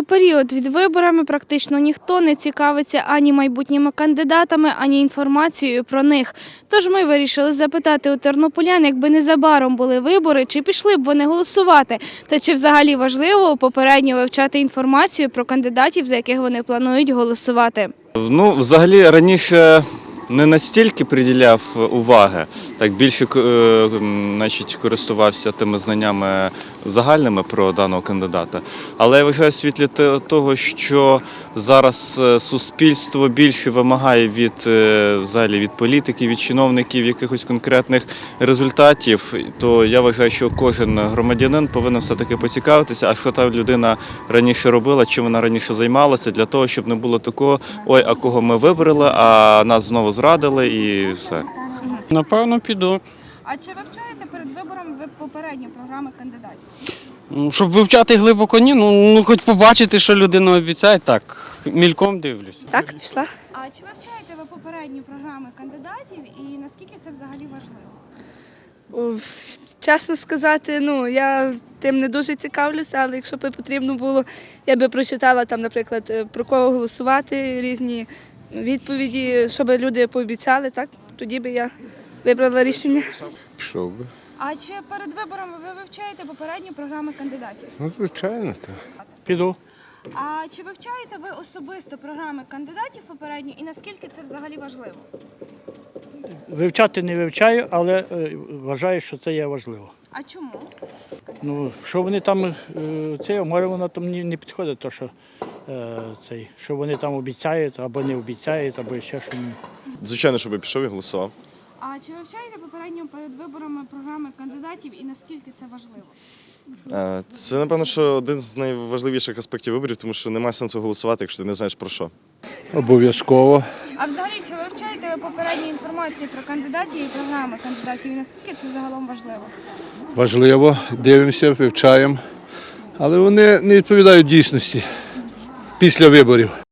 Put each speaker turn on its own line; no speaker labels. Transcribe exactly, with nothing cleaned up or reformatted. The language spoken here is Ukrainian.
період від виборами практично ніхто не цікавиться ані майбутніми кандидатами, ані інформацією про них. Тож ми вирішили запитати у тернополян, якби незабаром були вибори, чи пішли б вони голосувати, та чи взагалі важливо попередньо вивчати інформацію про кандидатів, за яких вони планують голосувати.
Ну, взагалі, раніше не настільки приділяв уваги, так більше е, значить, користувався тими знаннями загальними про даного кандидата. Але я вважаю, в світлі того, що зараз суспільство більше вимагає від, взагалі, від політиків, від чиновників якихось конкретних результатів, то я вважаю, що кожен громадянин повинен все-таки поцікавитися, а що та людина раніше робила, чим вона раніше займалася, для того, щоб не було такого, ой, а кого ми вибрали, а нас знову зрадили і все.
Напевно, піду.
А чи вивчаєте перед виборами ви попередні програми кандидатів?
Щоб вивчати глибоко, ні, ну, ну хоч побачити, що людина обіцяє, так, мільком дивлюся.
Так, пішла.
А чи вивчаєте ви попередні програми кандидатів і наскільки це взагалі важливо?
О, чесно сказати, ну, я тим не дуже цікавлюся, але якщо б потрібно було, я би прочитала там, наприклад, про кого голосувати, різні відповіді, що би люди пообіцяли, так, тоді би я вибрала рішення.
Пішов би.
А чи перед виборами ви вивчаєте попередні програми кандидатів?
Ну, звичайно, так.
Піду.
А чи вивчаєте ви особисто програми кандидатів попередні і наскільки це взагалі важливо?
Вивчати не вивчаю, але е, вважаю, що це є важливо.
А чому?
Ну, що вони там, е, це, може воно там не, не підходить, то, що, е, цей, що вони там обіцяють, або не обіцяють, або ще щось.
Звичайно, щоб я пішов і голосував.
А чи вивчаєте попередньо перед виборами програми кандидатів і наскільки це важливо?
Е, Це, напевно, що один з найважливіших аспектів виборів, тому що немає сенсу голосувати, якщо ти не знаєш про що.
Обов'язково.
А взагалі, чи вивчаєте ви попередню інформацію про кандидатів і програми кандидатів і наскільки це загалом важливо?
Важливо, дивимося, вивчаємо. Але вони не відповідають дійсності після виборів.